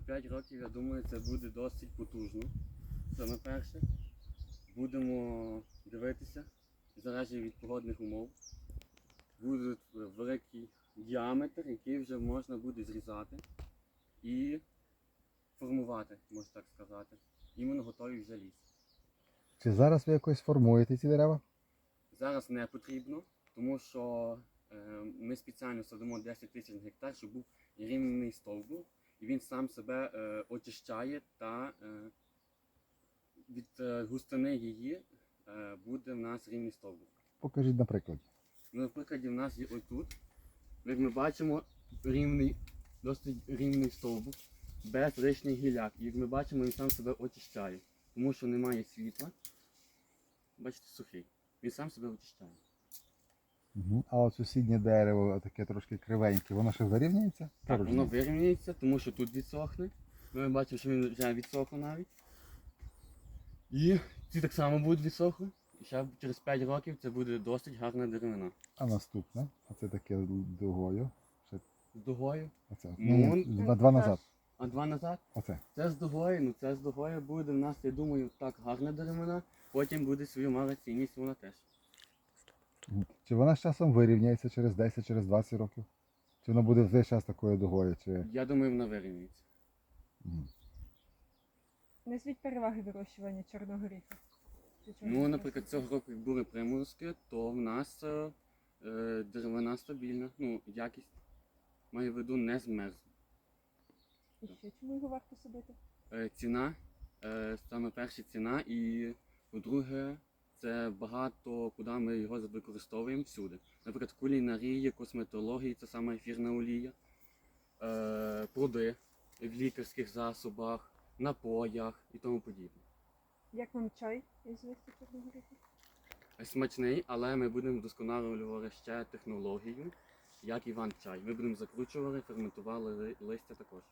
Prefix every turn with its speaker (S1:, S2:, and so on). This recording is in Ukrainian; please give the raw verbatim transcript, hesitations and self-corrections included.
S1: п'ять років, я думаю, це буде досить потужно. Саме перше. Будемо дивитися, залежить від погодних умов. Буде великий діаметр, який вже можна буде зрізати і формувати, можна так сказати. Іменно готовий вже ліс.
S2: Чи зараз ви якось формуєте ці дерева?
S1: Зараз не потрібно, тому що е, ми спеціально садимо десять тисяч гектар, щоб був рівний стовбур, і він сам себе е, очищає та е, від е, густини її е, буде в нас рівний стовбур.
S2: Покажіть на прикладі.
S1: Ну, наприклад, в нас є отут, як ми бачимо, рівний, досить рівний стовбур, без лишніх гілляк. І як ми бачимо, він сам себе очищає, тому що немає світла. Бачите, сухий. Він сам себе очищає.
S2: Угу. А от сусіднє дерево, таке трошки кривеньке, воно ще вирівняється?
S1: Так, воно вирівняється, тому що тут відсохне. Ми бачимо, що він вже відсохло навіть. І ці так само будуть відсохли. І ще через п'ять років це буде досить гарна деревина.
S2: А наступне, оце таке дугою. Ще
S1: З дугою.
S2: оце.
S1: Ну,
S2: Ні, ні, два, два назад.
S1: А два назад?
S2: Оце.
S1: Це з дугою, ну це з дугою буде в нас, я думаю, так гарна деревина. Потім буде свою мала цінність вона теж.
S2: Чи вона з часом вирівняється через десять, через двадцять років? Чи вона буде весь час такою дугою? Чи...
S1: Я думаю, вона вирівнюється.
S2: Мгм.
S3: Назвіть переваги вирощування чорного горіха. Чи чорного
S1: Ну,
S3: горіха?
S1: наприклад, цього року, як були приморозки, то в нас е, е, деревина стабільна, ну, якість, маю в виду, не змерзла.
S3: І ще чому його варто садити?
S1: Е, ціна, е, саме перша ціна, і по-друге, це багато, куди ми його використовуємо всюди. Наприклад, в кулінарії, косметології, це саме ефірна олія, е, пруди в лікарських засобах, напоях і тому подібне.
S3: Як вам чай із листя чорного горіха?
S1: Смачний, але ми будемо вдосконалювати ще технологію, як Іван чай. Ми будемо закручувати, ферментували ли- листя також.